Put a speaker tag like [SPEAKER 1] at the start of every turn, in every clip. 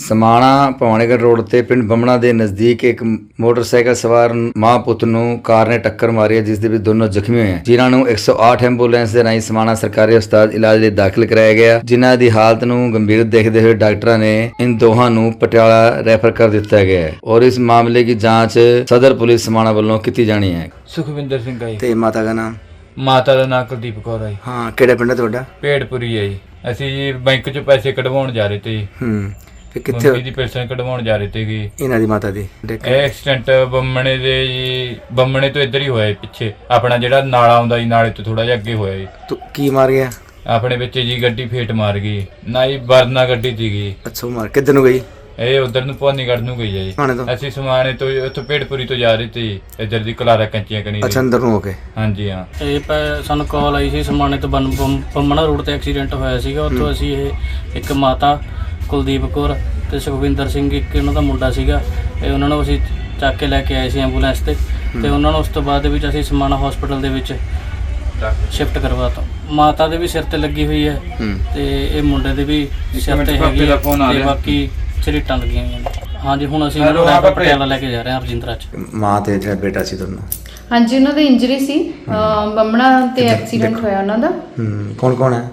[SPEAKER 1] Samana Bhawanigarh road ਤੇ ਪਿੰਡ ਬੰਮਣਾ ਦੇ ਨਜ਼ਦੀਕ ਇੱਕ ਮੋਟਰਸਾਈਕਲ ਸਵਾਰ ਮਾਂ ਪੁੱਤ ਨੂੰ ਕਾਰ ਨੇ ਟੱਕਰ ਮਾਰੀ ਹੈ, ਜਿਸ ਦੇ ਵਿੱਚ ਦੋਨੋਂ ਜ਼ਖਮੀ ਹੋਏ ਹਨ, ਜਿਨ੍ਹਾਂ ਨੂੰ 108 ਐਂਬੂਲੈਂਸ ਦੇ ਰਾਹੀਂ ਸਮਾਣਾ ਸਰਕਾਰੀ ਹਸਪਤਾਲ ਇਲਾਜ ਲਈ ਦਾਖਲ ਕਰਾਇਆ ਗਿਆ। ਜਿਨ੍ਹਾਂ ਦੀ ਹਾਲਤ ਨੂੰ ਗੰਭੀਰ ਦੇਖਦੇ ਹੋਏ ਡਾਕਟਰਾਂ ਨੇ इन ਦੋਹਾਂ ਨੂੰ ਪਟਿਆਲਾ ਰੈਫਰ ਕਰ ਦਿੱਤਾ ਗਿਆ ਹੈ और इस मामले की जांच सदर पुलिस समाणा ਵੱਲੋਂ ਕੀਤੀ ਜਾਣੀ ਹੈ।
[SPEAKER 2] ਸੁਖਵਿੰਦਰ ਸਿੰਘ ਆ ਜੀ।
[SPEAKER 1] ਤੇ ਮਾਤਾ ਦਾ ਨਾਮ?
[SPEAKER 2] ਮਾਤਾ ਦਾ ਨਾਮ ਕੁਲਦੀਪ ਕੌਰ ਆ ਜੀ।
[SPEAKER 1] ਹਾਂ, ਕਿਹੜਾ ਪਿੰਡ ਹੈ ਤੁਹਾਡਾ?
[SPEAKER 2] ਪੇੜਪੁਰੀ ਆ ਜੀ। ਅਸੀਂ ਜੀ ਬੈਂਕ 'ਚ ਪੈਸੇ ਕਢਵਾਉਣ ਜਾ ਰਹੇ ਤੇ ਜੀ।
[SPEAKER 1] ਤੇ ਕਿੱਥੇ
[SPEAKER 2] ਮੰਮੀ ਦੀ ਪੈਨਸ਼ਨ ਕਢਵਾਉਣ ਜਾ ਰਹੇ ਤੇ ਜੀ।
[SPEAKER 1] ਇਹਨਾਂ ਦੀ ਮਾਤਾ ਦੀ
[SPEAKER 2] ਇਹ ਐਕਸੀਡੈਂਟ ਬੰਮਣੇ ਦੇ ਜੀ, ਬੰਮਣੇ ਤੋਂ ਇੱਧਰ ਹੀ ਹੋਇਆ ਜੀ, ਪਿੱਛੇ ਆਪਣਾ ਜਿਹੜਾ ਨਾਲਾ ਆਉਂਦਾ ਜੀ, ਨਾਲੇ ਤੋਂ ਥੋੜਾ ਜਿਹਾ ਅੱਗੇ ਹੋਇਆ ਜੀ।
[SPEAKER 1] ਤੂੰ ਕੀ ਮਾਰ ਗਿਆ?
[SPEAKER 2] ਆਪਣੇ ਵਿੱਚ ਜੀ ਗੱਡੀ ਫੇਟ ਮਾਰ ਗਈ ਨਾ ਜੀ, ਵਰਨਾ ਗੱਡੀ ਸੀਗੀ।
[SPEAKER 1] ਅੱਛਾ, ਮਾਰ ਕਿੱਧਰ ਨੂੰ ਗਈ?
[SPEAKER 2] ਇਹ ਉਧਰ ਨੂੰ ਭਵਾਨੀਗੜ੍ਹ ਨੂੰ ਗਈ ਆ ਜੀ। ਅਸੀਂ ਸਮਾਣੇ ਤੋਂ ਉੱਥੋਂ ਪੇੜਪੁਰੀ ਤੋਂ ਜਾ ਰਹੇ ਤੇ ਇੱਧਰ ਦੀ ਕਲਾਰਾ ਕੰਚੀਆਂ ਕਨੀ।
[SPEAKER 1] ਅੱਛਾ, ਅੰਦਰ ਨੂੰ ਹੋ ਕੇ?
[SPEAKER 2] ਹਾਂਜੀ ਹਾਂ।
[SPEAKER 3] ਇਹ ਸਾਨੂੰ ਕਾਲ ਆਈ ਸੀ ਸਮਾਣੇ ਤੋਂ ਬੰਮਣਾ ਰੋਡ ਤੇ ਐਕਸੀਡੈਂਟ ਹੋਇਆ ਸੀਗਾ। ਉੱਥੋਂ ਅਸੀਂ ਇਹ ਇੱਕ ਮਾਤਾ ਕੁਲਦੀਪ ਕੌਰ ਤੇ ਸੁਖਵਿੰਦਰ ਸਿੰਘ ਇੱਕ ਉਹਨਾਂ ਦਾ ਮੁੰਡਾ ਸੀਗਾ, ਇਹ ਉਹਨਾਂ ਨੂੰ ਅਸੀਂ ਚੱਕ ਕੇ ਲੈ ਕੇ ਆਏ ਸੀ ਐਂਬੂਲੈਂਸ ਤੇ ਉਹਨਾਂ ਨੂੰ ਉਸ ਤੋਂ ਬਾਅਦ ਦੇ ਵਿੱਚ ਅਸੀਂ ਸਮਾਣਾ ਹਸਪੀਟਲ ਦੇ ਵਿੱਚ ਸ਼ਿਫਟ ਕਰਵਾਤਾ। ਮਾਤਾ ਦੇ ਵੀ ਸਿਰ ਤੇ ਲੱਗੀ ਹੋਈ ਹੈ ਤੇ ਇਹ ਮੁੰਡੇ ਦੇ ਵੀ ਸਿਰ ਤੇ ਹੈਗੀ ਹੈ ਤੇ ਬਾਕੀ ਝਰੀਟਾਂ ਲੱਗੀਆਂ ਹੋਈਆਂ ਨੇ। ਹਾਂਜੀ, ਹੁਣ ਅਸੀਂ ਇਹਨਾਂ ਨੂੰ ਰੈਫਰ ਪਟਿਆਲਾ ਲੈ ਕੇ ਜਾ ਰਹੇ ਹਾਂ ਰਜਿੰਦਰਾ 'ਚ।
[SPEAKER 1] ਮਾਂ ਤੇ ਜਿਹੜਾ ਬੇਟਾ ਸੀ ਦੋਨੋਂ?
[SPEAKER 4] ਹਾਂਜੀ, ਉਹਨਾਂ ਦੀ ਇੰਜਰੀ ਸੀ, ਬੰਮਣਾ ਤੇ ਐਕਸੀਡੈਂਟ ਹੋਇਆ ਉਹਨਾਂ ਦਾ।
[SPEAKER 1] ਕੌਣ ਕੌਣ ਹੈ?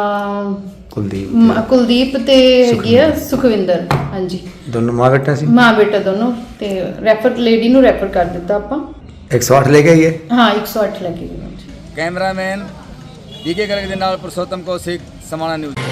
[SPEAKER 4] ਕੁਲਦੀਪ ਤੇ ਹੈਗੀ ਆ ਸੁਖਵਿੰਦਰ। ਹਾਂਜੀ,
[SPEAKER 1] ਦੋਨੋਂ ਮਾਂ ਬੇਟਾ ਸੀ?
[SPEAKER 4] ਮਾਂ ਬੇਟਾ ਦੋਨੋਂ। ਤੇ ਰੈਫਰ ਲੇਡੀ ਨੂੰ ਰੈਫਰ ਕਰ ਦਿੱਤਾ ਆਪਾਂ।
[SPEAKER 1] 108 ਲੈ ਕੇ ਆਈਏ?
[SPEAKER 4] ਹਾਂ, 108 ਲੈ ਕੇ ਗਏ।
[SPEAKER 1] ਕੈਮਰਾਮੈਨ ਡੀਕੇ ਗਰਗ ਦੇ ਨਾਲ ਪੁਰਸ਼ੋਤਮ ਕੌਸ਼ਿਕ, ਸਮਾਣਾ ਨਿਊਜ਼।